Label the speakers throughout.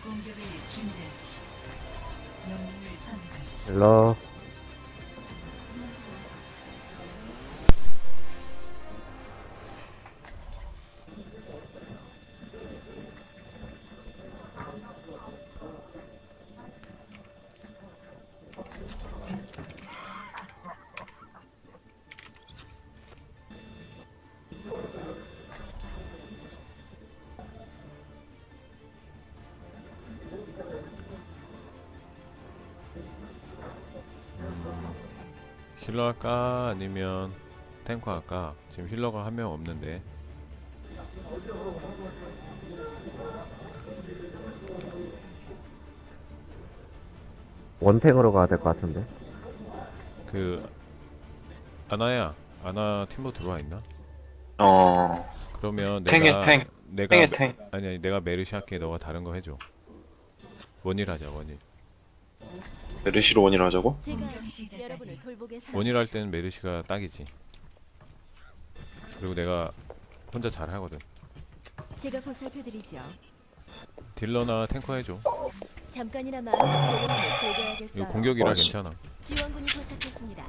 Speaker 1: 공격을 준비하십시오. 영웅을 선택하십시오.
Speaker 2: 일러.
Speaker 3: 힐러 할까 아니면 탱커 할까? 지금 힐러가 한 명 없는데.
Speaker 2: 원탱으로 가야 될 것 같은데.
Speaker 3: 그 아나야, 아나 팀버 들어와 있나? 그러면
Speaker 4: 탱에
Speaker 3: 내가
Speaker 4: 탱.
Speaker 3: 내가
Speaker 4: 탱에 탱.
Speaker 3: 아니 내가 메르시 할게. 너가 다른 거 해줘. 원일 하자. 원일.
Speaker 4: 메르시로 원이라 하자고?
Speaker 5: 제가
Speaker 1: 시작까지.
Speaker 5: 여러분을 돌보겠습니다.
Speaker 3: 원일 할 때는 메르시가 딱이지. 그리고 내가 혼자 잘 하거든.
Speaker 5: 제가 보살펴드리죠.
Speaker 3: 딜러나 탱커 해줘.
Speaker 5: 잠깐이나마 여러분을 즐겨야겠어요.
Speaker 3: 이거 공격이라
Speaker 4: 맞지.
Speaker 3: 괜찮아.
Speaker 5: 지원군이 도착했습니다.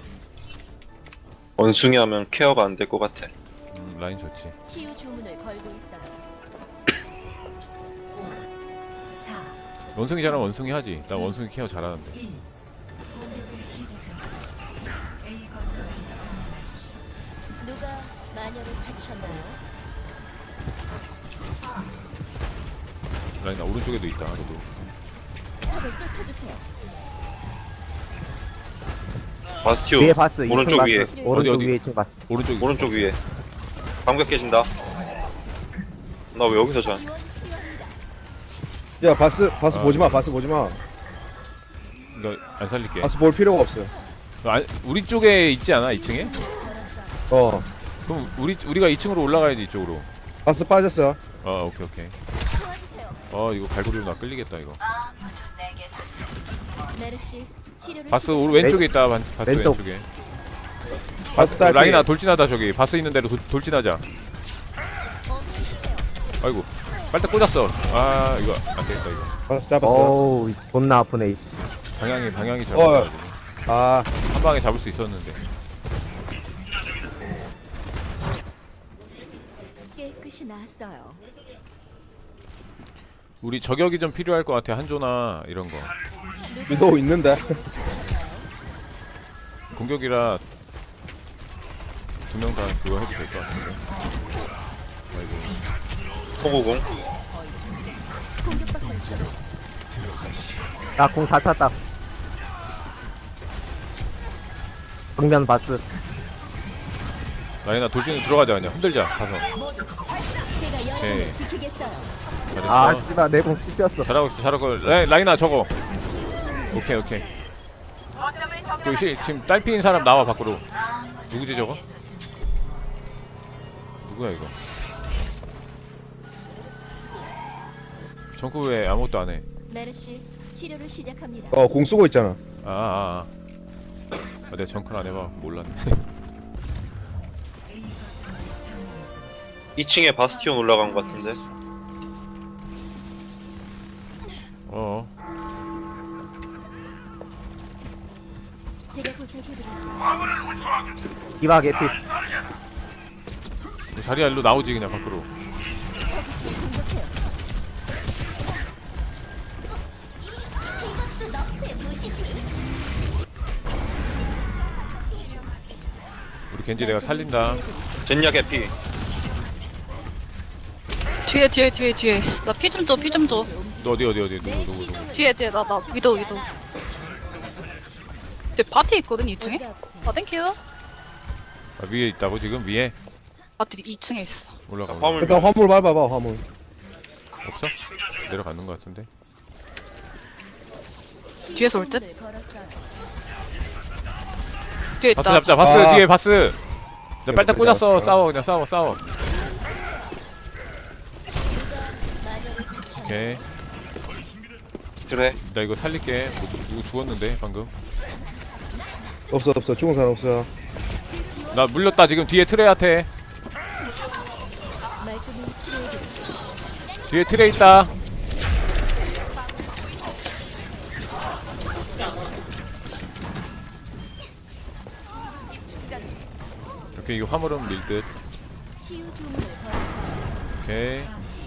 Speaker 4: 원숭이 하면 케어가 안 될 것 같아.
Speaker 3: 라인 좋지.
Speaker 5: 치유 주문을 걸고 있어요.
Speaker 1: 4,
Speaker 3: 원숭이 잘하면 원숭이 하지. 나 원숭이 케어 잘하는데.
Speaker 1: 1. 공격을 시작합니다. A 건설을 점령하십시오.
Speaker 5: 누가 마녀를 찾으셨나요?
Speaker 3: 라인 오른쪽에도 있다. 너도.
Speaker 5: 적을 쫓아주세요.
Speaker 4: 바스티오.
Speaker 2: 위에 바스.
Speaker 4: 오른쪽
Speaker 2: 2층
Speaker 4: 위에.
Speaker 2: 바스. 오른쪽
Speaker 3: 어디?
Speaker 2: 위에 2층 바스.
Speaker 4: 오른쪽 위에. 방벽 깨진다. 나 왜 여기서 자?
Speaker 5: 지원 필요합니다.
Speaker 6: 야 바스
Speaker 3: 아,
Speaker 6: 보지마 바스 보지마
Speaker 3: 너 안 살릴게.
Speaker 6: 바스 볼 필요가 없어.
Speaker 3: 우리 쪽에 있지 않아? 2층에?
Speaker 6: 어
Speaker 3: 그럼 우리가 2층으로 올라가야지 이쪽으로.
Speaker 6: 바스 빠졌어.
Speaker 3: 오케이.
Speaker 5: 도와주세요.
Speaker 3: 이거 갈고리로 나 끌리겠다 이거.
Speaker 5: 메르시 치료를
Speaker 3: 바스 왼쪽에 있다. 바스
Speaker 2: 왼쪽.
Speaker 3: 왼쪽에.
Speaker 6: 바스 딸피.
Speaker 3: 라인아 돌진하다 저기. 바스 있는 대로 돌진하자. 아이고. 빨대 꽂았어. 아 이거 안 되겠다 이거.
Speaker 6: 바스 잡았어.
Speaker 2: 어우, 존나 아프네.
Speaker 3: 방향이 잘못가지고
Speaker 6: 아
Speaker 3: 한 방에 잡을 수 있었는데.
Speaker 5: 깨끗이 나았어요.
Speaker 3: 우리 저격이 좀 필요할 것 같아. 한조나 이런 거.
Speaker 6: 위도우 있는데.
Speaker 3: 공격이라 두 명 다 그거 해도 될 것 같은데. 아이고.
Speaker 4: 호구공.
Speaker 5: 공격받고 있어요.
Speaker 2: 나공 다 찼다. 정면 바스.
Speaker 3: 라인아 돌진으로 들어가자 그냥. 흔들자 가서.
Speaker 5: 제가
Speaker 3: 오케이.
Speaker 5: 여러분을 지키겠어요.
Speaker 3: 잘했어.
Speaker 2: 아, 씨발, 내 공 씹혔어.
Speaker 3: 잘하고 있어. 라인아 저거. 오케이. 여기 지금 딸피인 사람 나와 밖으로. 누구지 저거? 누구야 이거? 정크 왜 아무것도 안 해?
Speaker 5: 메르시 치료를 시작합니다.
Speaker 6: 공 쓰고 있잖아.
Speaker 3: 내가 정크를 안 해봐. 몰랐네.
Speaker 1: A 건설을 점령했습니다.
Speaker 4: 2층에 바스티온 올라간 것 같은데.
Speaker 5: 제가 보살펴드리죠.
Speaker 2: 디바 개피.
Speaker 3: 자리야 일로 나오지 그냥 밖으로.
Speaker 5: 공격해요. 이것도 너의 무시지.
Speaker 3: 우리 겐지 내가 살린다.
Speaker 4: 젠야 개피.
Speaker 7: 뒤에 나 피 좀 줘.
Speaker 3: 너 어디 누구.
Speaker 7: 뒤에 나 위도우 근데 바티 있거든 2층에?
Speaker 5: 어디가 아프세요?
Speaker 7: 아 땡큐.
Speaker 3: 위에 있다고 지금 위에
Speaker 7: 바티 2층에 있어.
Speaker 3: 올라가.
Speaker 4: 화물.
Speaker 6: 일단 화물 밟아봐 화물.
Speaker 3: 없어? 내려가는 것 같은데.
Speaker 7: 뒤에서 올 듯?
Speaker 5: 주문을 걸었어요.
Speaker 7: 뒤에
Speaker 3: 바스
Speaker 7: 있다.
Speaker 3: 잡자. 바스
Speaker 6: 아.
Speaker 3: 뒤에 바스. 나 빨딱 꽂았어.
Speaker 6: 아.
Speaker 3: 싸워 그냥 싸워.
Speaker 5: 마녀를 찾으셨나요?
Speaker 3: 오케이.
Speaker 4: 그래.
Speaker 3: 나 이거 살릴게. 누구 죽었는데 방금.
Speaker 6: 없어 죽은 사람 없어.
Speaker 3: 나 물렸다 지금 뒤에 트레한테.
Speaker 5: 말끔히 치료해드리죠.
Speaker 3: 뒤에 트레 있다. 어차피 이거 화물은 밀듯.
Speaker 5: 치유 주문을 걸었어요.
Speaker 3: 오케이.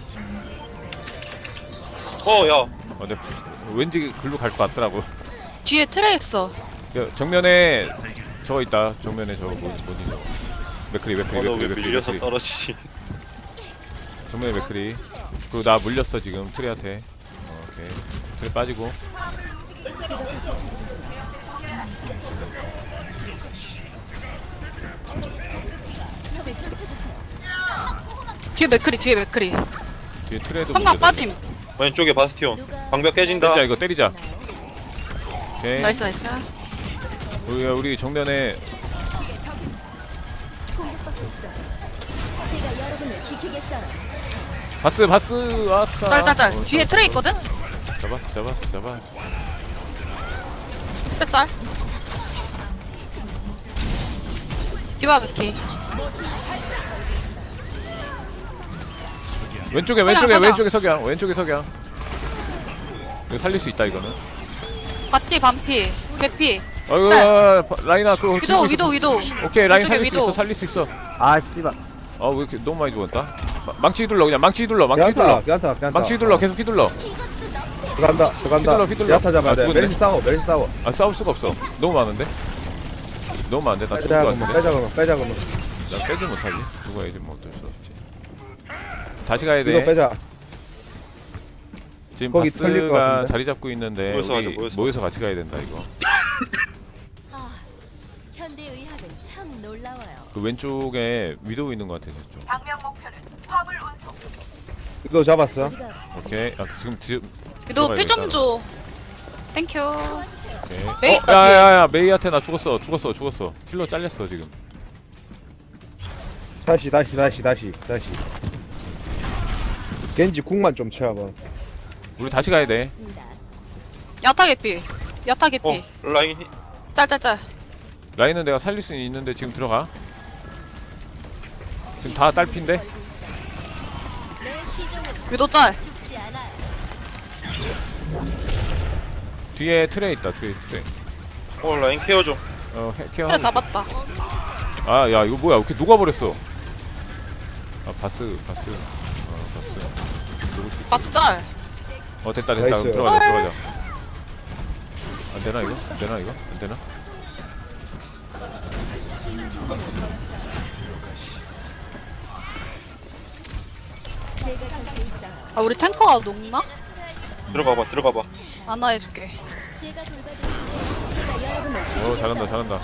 Speaker 4: 야.
Speaker 3: 근데 왠지 글로 갈 것 같더라고.
Speaker 7: 뒤에 트레 있어.
Speaker 3: 야, 정면에 저거 있다. 정면에 저거 뭐지 저거. 맥크리.
Speaker 4: 너 왜 밀려서 떨어지지?
Speaker 3: 정면에 맥크리. 그리고 나 물렸어 지금 트레한테. 오케이. 트레 빠지고.
Speaker 5: 적을 쫓아주세요.
Speaker 7: 뒤에 맥크리, 뒤에 맥크리.
Speaker 3: 뒤에 트레도
Speaker 7: 성강 빠짐.
Speaker 4: 왼쪽에 바스티온. 방벽 깨진다.
Speaker 3: 때리자 이거 때리자. 오케이.
Speaker 7: 나이스, 나이스.
Speaker 3: 우리 정면에
Speaker 5: 공격받고 있어요. 제가 여러분을 지키겠어요.
Speaker 3: 바스 왔어.
Speaker 7: 짤짤짤. 뒤에 트레 있거든?
Speaker 3: 잡았어.
Speaker 7: 트레 짤. 디바 맥키.
Speaker 3: 왼쪽에 석양. 이거 살릴 수 있다 이거는.
Speaker 7: 바티 반피. 개피.
Speaker 3: 아이고 라인아 그거
Speaker 7: 위도.
Speaker 3: 오케이 라인
Speaker 7: 왼쪽에
Speaker 3: 살릴 수 있어.
Speaker 2: 아 씨발.
Speaker 3: 아 왜 이렇게 너무 많이 죽었다. 망치 휘둘러 그냥 망치 휘둘러.
Speaker 6: 괜찮다.
Speaker 3: 망치 휘둘러 계속 휘둘러.
Speaker 6: 들어간다.
Speaker 3: 휘둘러.
Speaker 6: 야타 잡아야
Speaker 3: 아,
Speaker 6: 돼.
Speaker 3: 죽었네.
Speaker 6: 메리시 싸워.
Speaker 3: 아 싸울 수가 없어. 너무 많은데. 나 죽을 것 같은데.
Speaker 6: 빼자.
Speaker 3: 나 빼지 못하지. 죽어야지 뭐 어쩔 수 없지. 다시 가야
Speaker 6: 이거
Speaker 3: 돼.
Speaker 6: 빼자.
Speaker 3: 지금
Speaker 6: 거기 털릴 것
Speaker 3: 바스가
Speaker 6: 같은데?
Speaker 3: 자리 잡고 있는데
Speaker 4: 모여서
Speaker 3: 우리
Speaker 4: 가자,
Speaker 3: 모여서 같이 가야 된다 이거.
Speaker 5: 아, 현대 의학은 참 놀라워요.
Speaker 3: 그 왼쪽에 위도우 있는 것 같아 저쪽.
Speaker 6: 이거 잡았어.
Speaker 5: 어디가 아프세요?
Speaker 3: 오케이. 아 지금
Speaker 7: 위도
Speaker 3: 들어가야
Speaker 7: 피 좀
Speaker 3: 되겠다.
Speaker 7: 줘. 땡큐.
Speaker 3: 오케이.
Speaker 7: 메이 있다,
Speaker 3: 야야야 메이한테 나 죽었어. 힐러 잘렸어 지금.
Speaker 6: 다시. 겐지 궁만 좀 채워봐.
Speaker 3: 우리 다시 가야 돼.
Speaker 5: 있습니다.
Speaker 7: 야타 개피.
Speaker 4: 라인
Speaker 7: 짤짤짤.
Speaker 3: 라인은 내가 살릴 수 있는데 지금 들어가. 지금 다 딸핀데.
Speaker 5: 내 시종은
Speaker 7: 위도 짤.
Speaker 5: 죽지 않아요.
Speaker 3: 뒤에 트레 있다. 트레.
Speaker 4: 라인 케어 좀.
Speaker 3: 케어.
Speaker 7: 트레 잡았다.
Speaker 3: 아야 이거 뭐야? 이렇게 녹아버렸어. 아 바스.
Speaker 7: 바스 짤.
Speaker 3: 됐다.
Speaker 6: 나이스.
Speaker 3: 그럼 들어가자. 안 되나 이거? 안 되나?
Speaker 5: 제가 곁에 있어요.
Speaker 7: 아 우리 탱커가 녹나?
Speaker 4: 들어가봐.
Speaker 7: 안나 해줄게.
Speaker 5: 제가 돌봐드리죠. 제가 여러분을 지키겠어요.
Speaker 3: 잘한다.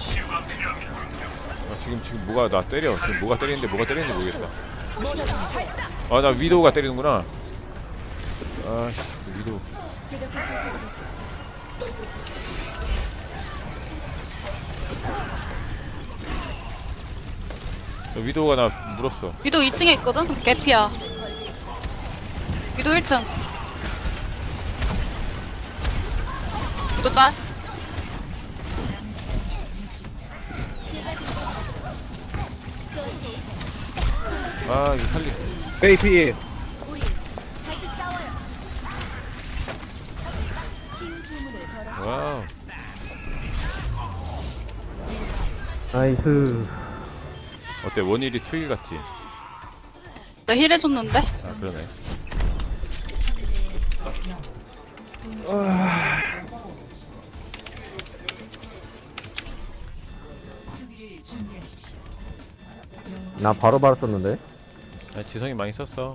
Speaker 3: 지금 뭐가 나 때려. 지금 뭐가 때리는지 모르겠다. 나 위도우가 때리는구나. 아씨 위도우.
Speaker 5: 제가 보살펴드리죠.
Speaker 3: 위도우가 나 물었어.
Speaker 7: 위도 2층에 있거든? 개피야. 위도 1층. 위도 짤.
Speaker 3: 아 이거 살리.
Speaker 6: 베이피.
Speaker 5: 우리 다시 싸워요. 치유 주문을 걸어.
Speaker 3: 와우.
Speaker 2: 나이스.
Speaker 3: 어때 원일이 투일 같지?
Speaker 7: 나 힐 해줬는데?
Speaker 3: 아 그러네.
Speaker 1: 수비를 준비하십시오.
Speaker 2: 나 바로 썼는데.
Speaker 3: 지성이 많이 썼어.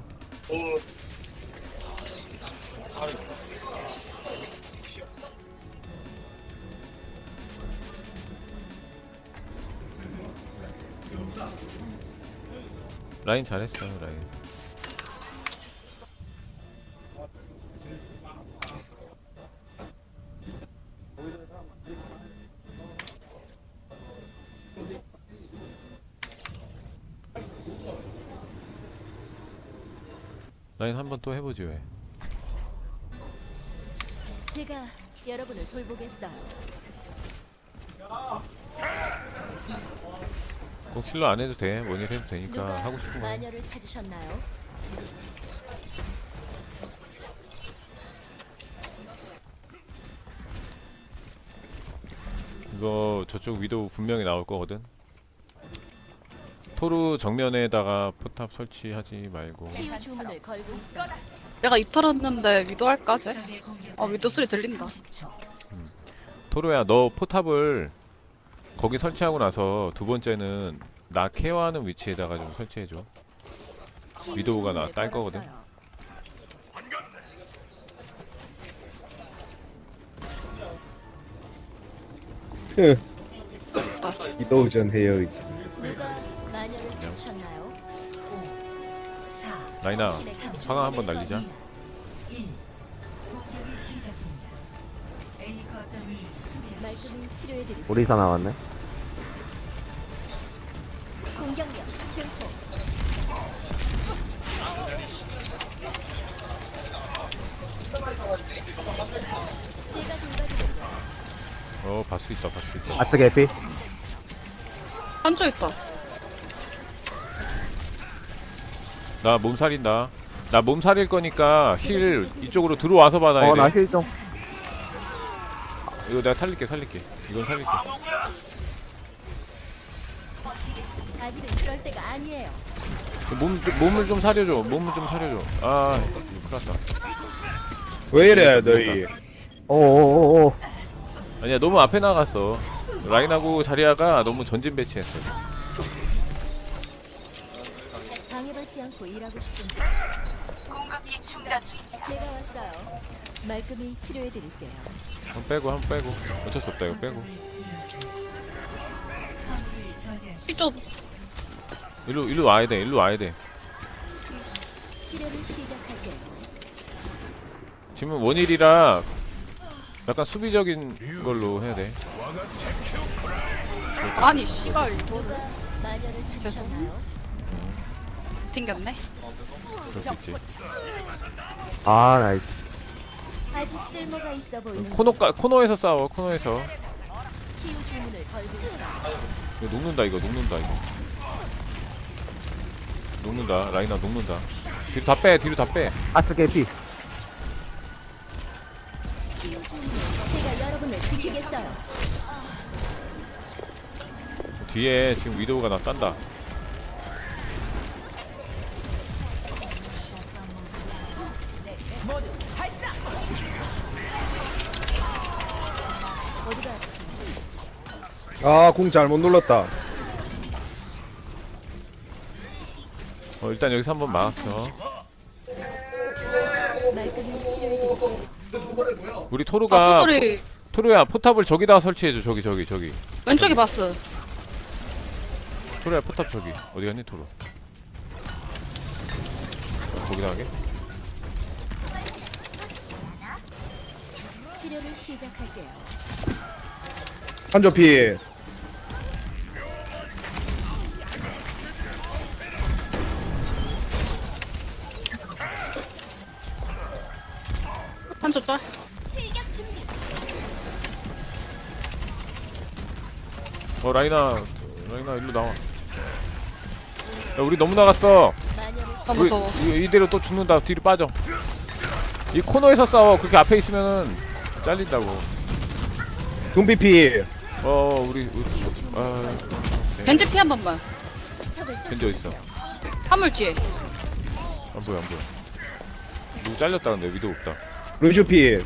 Speaker 3: 라인 잘했어 라인. 라인 한 번 또 해보지 왜?
Speaker 5: 제가 여러분을 돌보겠어요.
Speaker 3: 꼭 힐러 안 해도 돼. 원일 해도 되니까
Speaker 5: 누가
Speaker 3: 하고 싶은 거. 해.
Speaker 5: 마녀를 찾으셨나요?
Speaker 3: 이거 저쪽 위도 분명히 나올 거거든. 토르 정면에다가 포탑 설치하지 말고.
Speaker 5: 치유 주문을 걸고 있어.
Speaker 7: 내가 입 털었는데 위도 할까 쟤?
Speaker 1: 적의 공격까지
Speaker 7: 아 위도 소리 들린다.
Speaker 1: 30초.
Speaker 3: 토르야 너 포탑을 거기 설치하고 나서 두 번째는 나 케어하는 위치에다가 좀 설치해줘.
Speaker 5: 치유
Speaker 3: 위도우가 나
Speaker 5: 주문을
Speaker 3: 딸 거거든.
Speaker 5: 걸었어요.
Speaker 6: 이도우전 해요 이제.
Speaker 5: 누가 마녀를 찾으셨나요?
Speaker 1: 4,
Speaker 3: 라이나
Speaker 5: 신의 상징.
Speaker 3: 화강 한번 날리자.
Speaker 1: 1. 공격이 시작됩니다. A 거점을 수비하십시오.
Speaker 5: 말끔히 치료해드릴게요.
Speaker 2: 오리사 나왔네.
Speaker 5: 공격력 증폭. 제가 돌봐드리죠.
Speaker 3: 바스 있다 바스 있다.
Speaker 2: 아스 개피.
Speaker 7: 한조 있다.
Speaker 3: 나 몸살인다. 나 몸살일 거니까 힐 이쪽으로 들어와서 받아야 돼.
Speaker 2: 나 힐 좀.
Speaker 3: 이거 내가 살릴게 이건 살릴게.
Speaker 5: 아직은 그럴 때가 아니에요.
Speaker 3: 몸을 좀 사려줘. 아 이거 큰일 났다.
Speaker 6: 왜 이래 너희?
Speaker 2: 오오오오.
Speaker 3: 아니야 너무 앞에 나갔어. 라인하고 자리아가 너무 전진 배치했어.
Speaker 5: 방해받지 않고 일하고 싶은데. 제가 왔어요. 말끔히 치료해드릴게요.
Speaker 3: 한번 빼고 어쩔 수 없다 이거 빼고.
Speaker 1: 화물을 저지하십시오.
Speaker 7: 이쪽
Speaker 3: 일로 와야 돼.
Speaker 5: 치료를 시작할게요.
Speaker 3: 지금 원일이라 약간 수비적인 걸로 해야 돼.
Speaker 7: 아니 씨발 이거
Speaker 5: 누가 마녀를 찾으셨나요?
Speaker 7: 튕겼네.
Speaker 3: 그럴 수 있지.
Speaker 2: 아 나이스.
Speaker 5: 아직 쓸모가 있어 보이는
Speaker 3: 코너에서 싸워. 코너에서.
Speaker 5: 치유 주문을 걸고 있어.
Speaker 3: 이거 녹는다. 라인아 녹는다. 뒤로 다 빼.
Speaker 2: 아스 개피.
Speaker 5: 치유 주문을 제가 여러분을 지키겠어요.
Speaker 3: 뒤에 지금 위도우가 나 딴다.
Speaker 5: 어디가 아프신지.
Speaker 6: 아궁 잘못 눌렀다.
Speaker 3: 일단 여기서 한번 막았어.
Speaker 5: 말끔히 치료해드릴게요.
Speaker 3: 우리
Speaker 7: 바스
Speaker 3: 토르가
Speaker 7: 소리.
Speaker 3: 토르야 포탑을 저기다가 설치해줘. 저기.
Speaker 7: 왼쪽에 바스.
Speaker 3: 토르야 포탑 저기. 어디 갔니 토르? 거기다 하게?
Speaker 5: 치료를 시작할게요.
Speaker 6: 한조 피.
Speaker 7: 한조 짤.
Speaker 3: 라이나 일로 나와. 야 우리 너무 나갔어.
Speaker 5: 마녀를
Speaker 7: 아 무서워.
Speaker 3: 이대로 또 죽는다. 뒤로 빠져. 이 코너에서 싸워. 그렇게 앞에 있으면은 잘린다고.
Speaker 6: 둠피 피.
Speaker 3: 우리 아
Speaker 7: 벤지 피 한 번만.
Speaker 5: 적을
Speaker 3: 벤지 어딨어?
Speaker 7: 화물 뒤에.
Speaker 3: 안 보여. 누구 잘렸다 근데 위도 없다.
Speaker 6: 루슈 피.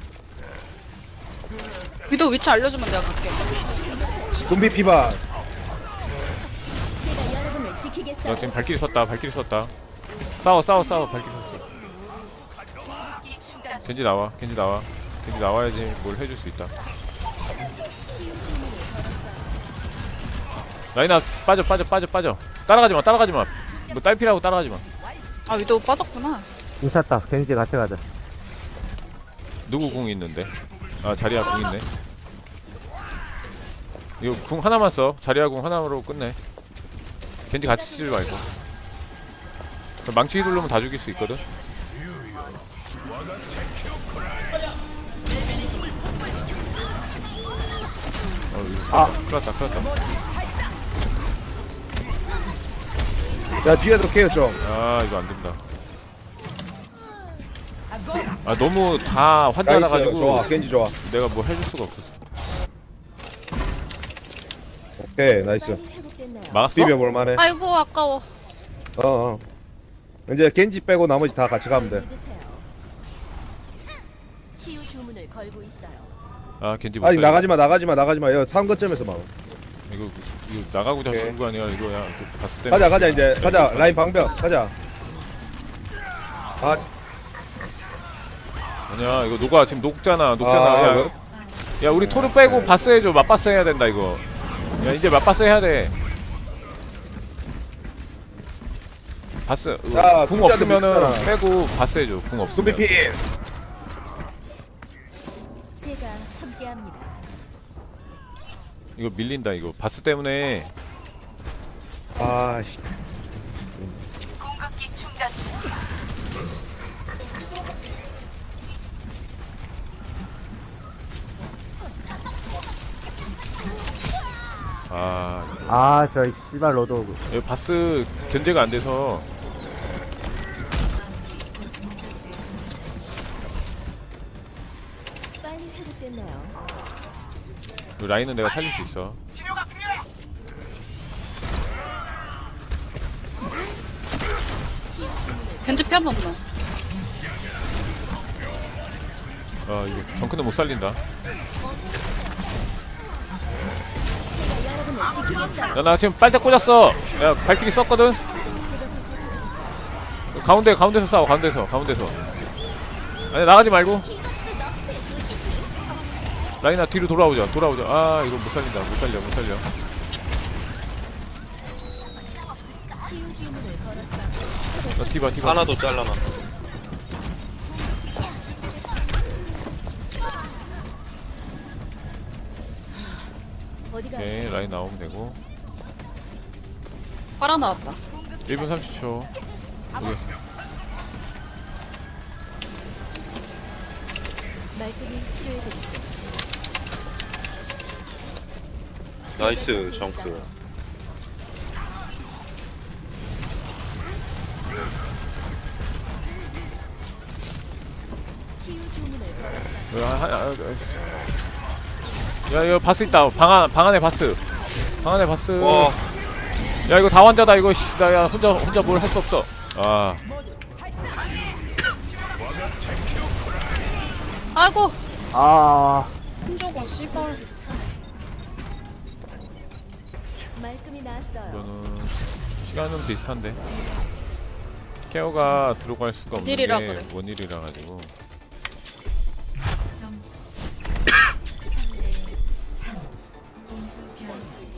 Speaker 7: 위도 위치 알려주면 내가 갈게.
Speaker 6: 둠피 피반.
Speaker 5: 제가 여러분을
Speaker 3: 나
Speaker 5: 지키겠어요.
Speaker 3: 지금 발키리 썼다. 싸워. 발키리 썼어. 겐지 나와야지 뭘 해줄 수 있다. 라이나 빠져. 따라가지 마. 뭐 딸피라고 따라가지 마.
Speaker 7: 아 위도 빠졌구나.
Speaker 2: 인쳤다. 겐지 같이 가자.
Speaker 3: 누구 궁 있는데? 아 자리야 궁 있네. 이거 궁 하나만 써. 자리야 궁 하나로 끝내. 겐지 같이 쓰지 말고. 망치 휘두르면 다 죽일 수 있거든. 큰일 났다.
Speaker 6: 야 뒤에도 케어 좀.
Speaker 3: 아 이거 안 된다. 아 너무 다 환자라
Speaker 6: 나이스.
Speaker 3: 가지고
Speaker 6: 좋아. 겐지 좋아.
Speaker 3: 내가 뭐 해줄 수가 없었어.
Speaker 6: 오케이 나이스.
Speaker 5: 빨리 회복되세요. 회복됐나요?
Speaker 3: 막았어?
Speaker 6: 비벼볼 만해.
Speaker 7: 아이고 아까워.
Speaker 6: 어. 이제 겐지 빼고 나머지 다 같이 가면 돼.
Speaker 5: 믿으세요. 치유 주문을 걸고 있어요.
Speaker 3: 아 겐지 못
Speaker 6: 아니
Speaker 3: 살려.
Speaker 6: 나가지마. 여기 3거점에서 막.
Speaker 3: 이거 나가고자
Speaker 6: 오케이.
Speaker 3: 쓰는 거 아니야 이거야. 그 봤을 때.
Speaker 6: 가자 이제 가자. 라인 방벽 가자. 아,
Speaker 3: 아니야 이거 녹아 지금 녹잖아.
Speaker 6: 아,
Speaker 3: 야, 야 우리 토르 빼고 바스 해줘. 맞바스 해야 된다 이거. 야 이제 맞바스 해야 돼. 바스
Speaker 6: 자,
Speaker 3: 궁
Speaker 6: 숫자도
Speaker 3: 없으면은
Speaker 6: 있잖아.
Speaker 3: 빼고 바스 해줘. 궁 없으면.
Speaker 6: 준비 피.
Speaker 5: 제가 함께합니다.
Speaker 3: 이거 밀린다 이거. 바스 때문에.
Speaker 6: 아, 씨.
Speaker 3: 아
Speaker 2: 아, 저 씨발 로드 오고.
Speaker 3: 이거 바스 견제가 안 돼서.
Speaker 5: 빨리 회복됐나요?
Speaker 3: 그 라인은 내가 살릴 수 있어.
Speaker 7: 견제 펴 없나?
Speaker 3: 아 이거 정크는 못 살린다.
Speaker 5: 제가 여러분을 지키겠어요.
Speaker 3: 야 나 지금 빨짝 꽂았어. 야 발길이 썼거든. 가운데서 싸워. 가운데서. 아니 나가지 말고. 라인아 뒤로 돌아오자. 아 이거 못 살린다. 못 살려.
Speaker 5: 치유 주문을 걸었어요.
Speaker 3: 디바.
Speaker 4: 하나도 잘라놔.
Speaker 5: 어디가
Speaker 3: 오케이 라인 나오면 되고.
Speaker 7: 빨아 나왔다.
Speaker 3: 1분 30초. 여기.
Speaker 5: 말끔히 치료해드릴게요.
Speaker 4: 나이스 정크.
Speaker 5: 치유 주문을 걸었어요.
Speaker 3: 야 이거 바스 있다. 방 안에 바스.
Speaker 4: 와,
Speaker 3: 야 이거 다 환자다 이거. 씨, 나야 혼자 뭘 할 수 없어. 아
Speaker 7: 아이고
Speaker 2: 아,
Speaker 7: 힘줘가 씨발.
Speaker 5: 말끔히 나았어요.
Speaker 3: 이거는 시간은 비슷한데 케어가 들어갈 수가 없는 게
Speaker 7: 원일이라 그래.
Speaker 3: 원일이라 가지고.
Speaker 1: 점수 3대 3 공수 변경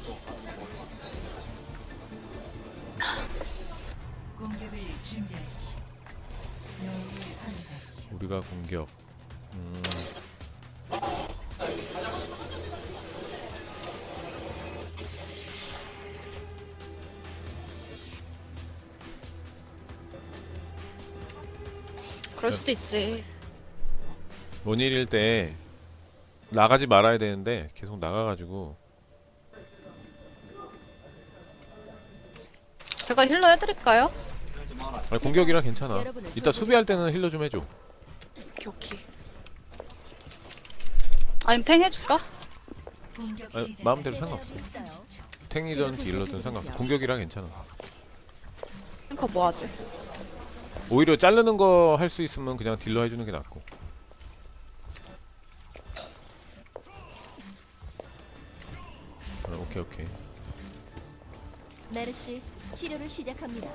Speaker 1: 공격을 준비하십시오. 영웅을 선택하십시오.
Speaker 3: 우리가 공격.
Speaker 7: 그럴 수도 있지.
Speaker 3: 원일일 때 나가지 말아야 되는데 계속 나가가지고.
Speaker 7: 제가 힐러 해드릴까요?
Speaker 3: 아니, 공격이라 괜찮아. 이따 수비할 때는 힐러 좀 해줘.
Speaker 7: 오케이. 아니면 탱 해줄까?
Speaker 1: 공격
Speaker 3: 아니,
Speaker 1: 시작.
Speaker 3: 마음대로 상관없어.
Speaker 5: 있어요.
Speaker 3: 탱이든 딜러든 상관없어. 공격이라 괜찮아.
Speaker 7: 탱커 뭐하지?
Speaker 3: 오히려 자르는 거 할 수 있으면 그냥 딜러 해주는 게 낫고. 오케이.
Speaker 5: 메르시 치료를 시작합니다.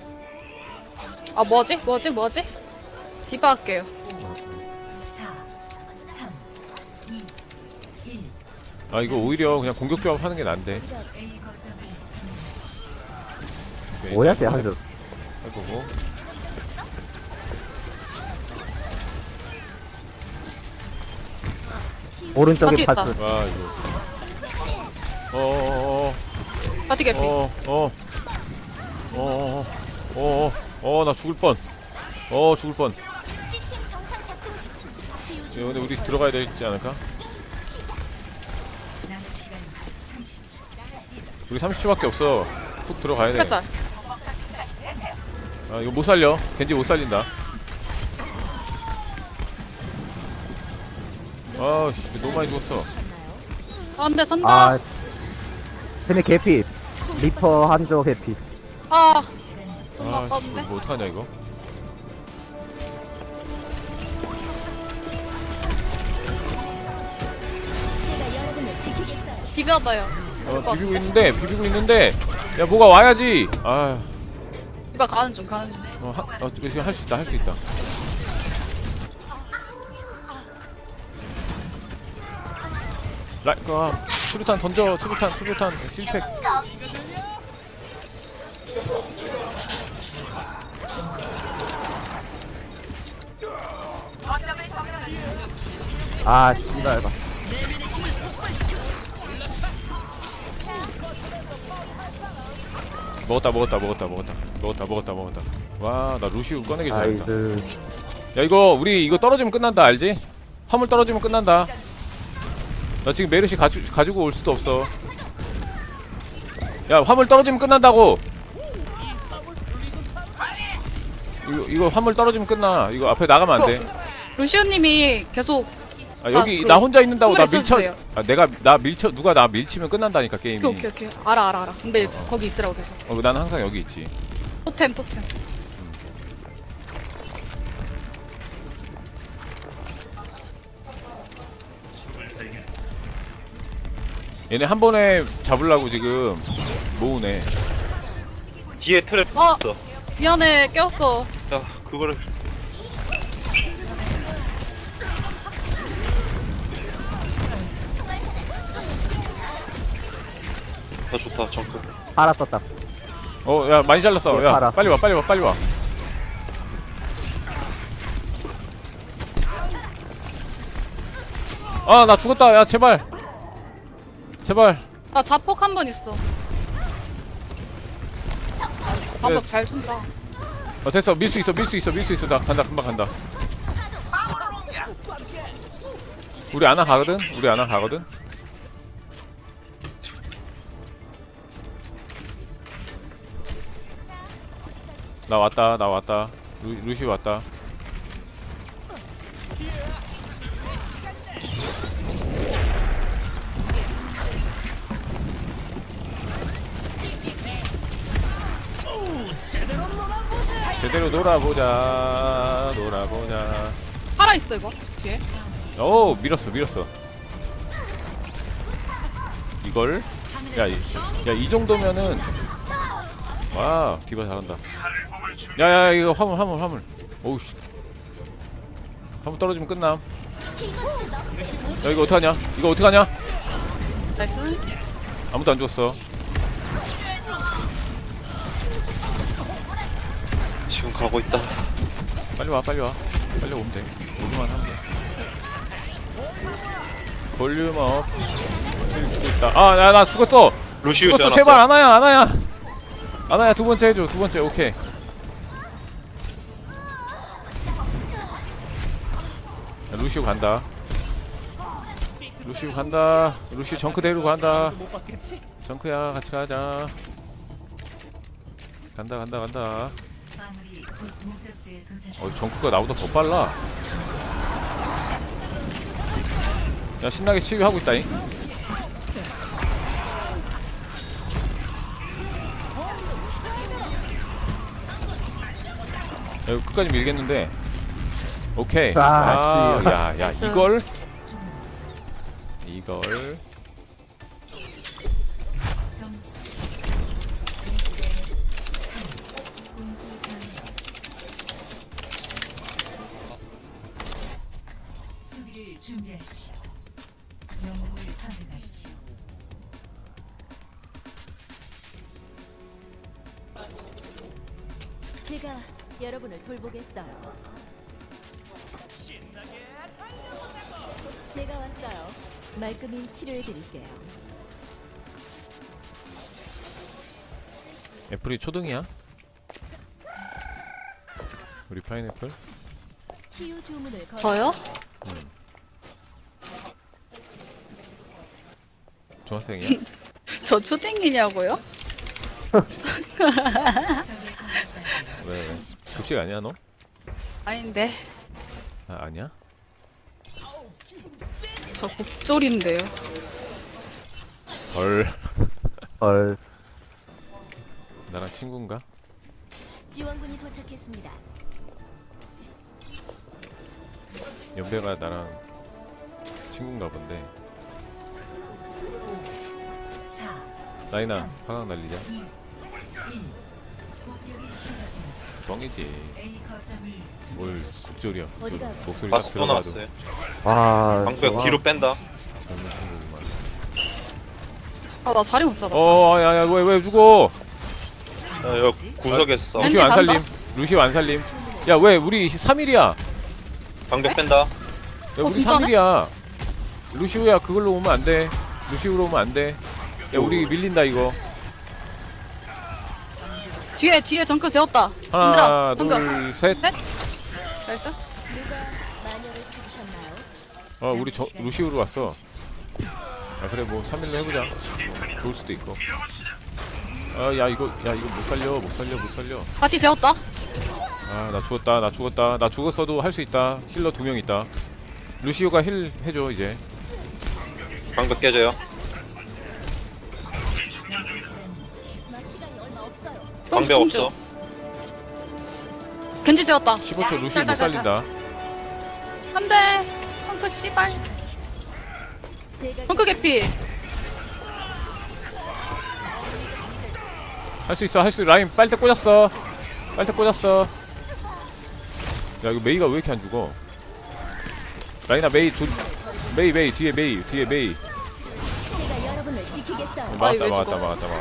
Speaker 7: 아 뭐지? 디바 할게요.
Speaker 1: 4 3 2 1
Speaker 3: 아 이거 오히려 그냥 공격 조합 하는 게 난데.
Speaker 1: A 거점을 점령하십시오.
Speaker 2: 뭐야, 쟤 한줄.
Speaker 3: 해보고.
Speaker 2: 오른쪽에
Speaker 7: 바퀴 있다.
Speaker 2: 파스.
Speaker 3: 와 이거. 어어어어.
Speaker 7: 바디 개피.
Speaker 3: 나 죽을 뻔. 죽을 뻔.
Speaker 5: 치유
Speaker 3: 근데 우리 들어가야 되지 않을까?
Speaker 1: 남은 시간 30초.
Speaker 3: 우리 30초밖에 없어. 훅 들어가야 돼.
Speaker 7: 그랬죠?
Speaker 3: 아 이거 못 살려. 겐지 못 살린다. 아씨 너무 많이 죽었어.
Speaker 7: 아 근데 선다.
Speaker 2: 아, 쟤네 개피. 리퍼 한조 해피.
Speaker 7: 아, 너무
Speaker 3: 아, 씨,
Speaker 7: 아까운데?
Speaker 3: 뭐 어떡하냐 이거?
Speaker 5: 제가 여러분을 지키겠어요.
Speaker 7: 비벼봐요. 될것 같은데?
Speaker 3: 비비고 있는데, 야 뭐가 와야지. 아,
Speaker 7: 이봐 가는 중.
Speaker 3: 지금 할 수 있다, 할 수 있다. 수류탄 던져, 수류탄 실패.
Speaker 2: 아 씨발 봐.
Speaker 3: 먹었다. 와, 나 루시우 꺼내기 잘했다.
Speaker 2: 나이스.
Speaker 3: 야 이거 우리 이거 떨어지면 끝난다, 알지? 화물 떨어지면 끝난다. 나 지금 메르시 가지고 올 수도 없어. 야 화물 떨어지면 끝난다고. 이거 화물 떨어지면 끝나. 이거 앞에 나가면 안 돼.
Speaker 7: 루시오님이 계속
Speaker 3: 아,
Speaker 7: 자,
Speaker 3: 여기
Speaker 7: 그
Speaker 3: 나 혼자 있는다고 나
Speaker 7: 화물에
Speaker 3: 밀쳐.
Speaker 7: 써주세요.
Speaker 3: 아 누가 나 밀치면 끝난다니까 게임이.
Speaker 7: 오케이. 알아. 근데 거기 있으라고 계속.
Speaker 3: 난 항상 여기 있지.
Speaker 7: 토템.
Speaker 3: 얘네 한 번에 잡으려고 지금 모으네.
Speaker 4: 뒤에 트랩
Speaker 7: 어,
Speaker 4: 있어.
Speaker 7: 미안해. 깨웠어.
Speaker 4: 야 그거를 좋다 정크.
Speaker 2: 팔아 떴다.
Speaker 3: 야 많이 잘랐어.
Speaker 2: 네,
Speaker 3: 야
Speaker 2: 팔아.
Speaker 3: 빨리 와. 아 나 죽었다. 야 제발.
Speaker 7: 나 자폭 한 번 있어. 방법 잘 준다.
Speaker 3: 됐어. 밀 수 있어. 나 간다. 금방 간다. 우리 아나 가거든. 나 왔다. 루시 왔다. 제대로 놀아보자.
Speaker 7: 살아 있어 이거 뒤에.
Speaker 3: 오 밀었어. 이걸 이 정도면은 와 디바 잘한다. 야야 이거 화물. 오우씨. 화물 떨어지면 끝남. 야 이거 어떡하냐?
Speaker 7: 나이스.
Speaker 3: 아무도 안 죽었어.
Speaker 4: 지금 가고 있다.
Speaker 3: 빨리 와. 빨리 오면 돼. 오기만 하면 돼. 볼륨 업. 죽고 있다. 아, 나 죽었어.
Speaker 4: 루시우
Speaker 3: 죽었어.
Speaker 4: 지어놨어.
Speaker 3: 제발 아나야 두 번째 해줘. 오케이. 야, 루시우 간다. 루시우 정크 데리고 간다. 정크야 같이 가자. 간다.
Speaker 1: 마무리 곧 목적지에 도착.
Speaker 3: 정크가 나보다 더 빨라. 야 신나게 치유하고 있다잉. 야, 이거 끝까지 밀겠는데. 오케이. 야
Speaker 7: 나이스.
Speaker 3: 이걸
Speaker 1: 점수 1대 3. 공수 변경. 수비를 준비하십시오. 영웅을 선택하십시오.
Speaker 5: 제가 여러분을 돌보겠어요. 제가 왔어요. 말끔히 치료해 드릴게요.
Speaker 3: 애플이 초등이야? 우리 파인애플?
Speaker 5: 치유 주문을 걸.
Speaker 7: 저요?
Speaker 3: 중학생이야?
Speaker 7: 저 초딩이냐고요?
Speaker 3: 왜? 급식 아니야 너?
Speaker 7: 아닌데.
Speaker 3: 아니야?
Speaker 7: 저 곡졸인데요.
Speaker 3: 헐.
Speaker 2: 헐.
Speaker 3: 나랑 친구인가?
Speaker 5: 지원군이 도착했습니다.
Speaker 3: 연배가 나랑 친구인가 본데.
Speaker 1: 4,
Speaker 3: 라이나 화강 날리자.
Speaker 1: 2, 1. 공격이 시작됩니다.
Speaker 3: 뻥이지.
Speaker 1: A 거점을
Speaker 3: 뭘
Speaker 1: 수비하십시오.
Speaker 3: 국졸이야.
Speaker 5: 어디가
Speaker 3: 목소리 딱
Speaker 4: 바스 또
Speaker 3: 들어봐도
Speaker 4: 나왔어요.
Speaker 2: 아
Speaker 4: 방벽 뒤로 뺀다.
Speaker 3: 젊은 친구구만.
Speaker 7: 아, 나 자리 못 잡아.
Speaker 3: 야야 왜 죽어?
Speaker 4: 여기 구석에서 싸워.
Speaker 7: 겐지
Speaker 3: 루시오 안
Speaker 7: 잔다?
Speaker 3: 살림. 루시오 안 살림. 야 왜 우리 3일이야? 야
Speaker 4: 방벽 뺀다.
Speaker 3: 우리
Speaker 7: 진짜네?
Speaker 3: 3일이야. 루시오야 그걸로 오면 안 돼. 루시오로 오면 안 돼. 야 우리 밀린다 이거.
Speaker 7: 뒤에 정크 세웠다.
Speaker 3: 하나
Speaker 7: 얘들아, 정크.
Speaker 3: 둘 셋.
Speaker 7: 나이스.
Speaker 5: 누가 마녀를 찾으셨나요?
Speaker 3: 우리 루시오로 왔어. 아 그래 뭐 3일로 해보자. 좋을 수도 있고. 야 이거 못 살려.
Speaker 7: 파티 세웠다.
Speaker 3: 나 죽었다. 나 죽었어도 할 수 있다. 힐러 2명 있다. 루시오가 힐 해줘 이제.
Speaker 4: 방벽 깨져요.
Speaker 5: 막 시간이 얼마 없어요.
Speaker 4: 방벽
Speaker 7: 공주.
Speaker 4: 없어.
Speaker 7: 겐지 세웠다.
Speaker 3: 15초 루시오 못
Speaker 7: 짤.
Speaker 3: 살린다.
Speaker 7: 안돼. 정크 씨발.
Speaker 5: 제가
Speaker 7: 정크 개피.
Speaker 3: 할 수 있어. 라인 빨대 꽂았어. 야 이거 메이가 왜 이렇게 안 죽어? 라인아 메이 뒤에 메이.
Speaker 5: 제가 여러분을 지키겠어요.
Speaker 7: 아이, 왜
Speaker 3: 막았다.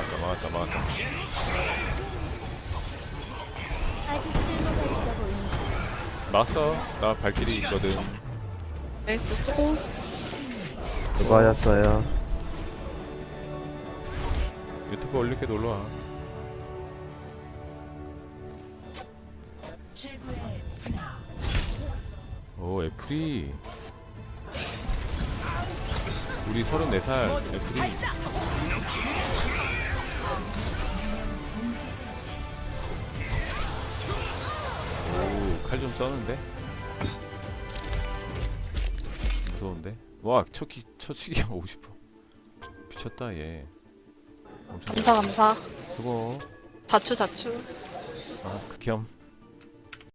Speaker 5: 아직 쓸모가 있어 보입니다.
Speaker 3: 막았어. 나 발길이 있거든.
Speaker 7: 나이스. 고.
Speaker 2: 수고하셨어요.
Speaker 3: 유튜브 올릴게 놀러와.
Speaker 1: 최고의 플레이.
Speaker 3: 오 애플이 우리 34살 애플이
Speaker 1: 동시처치.
Speaker 3: 오칼 좀 써는데 무서운데 와 처치기 하고 싶어. 미쳤다 얘. 엄청
Speaker 7: 감사.
Speaker 3: 수고.
Speaker 7: 자추.
Speaker 3: 극혐.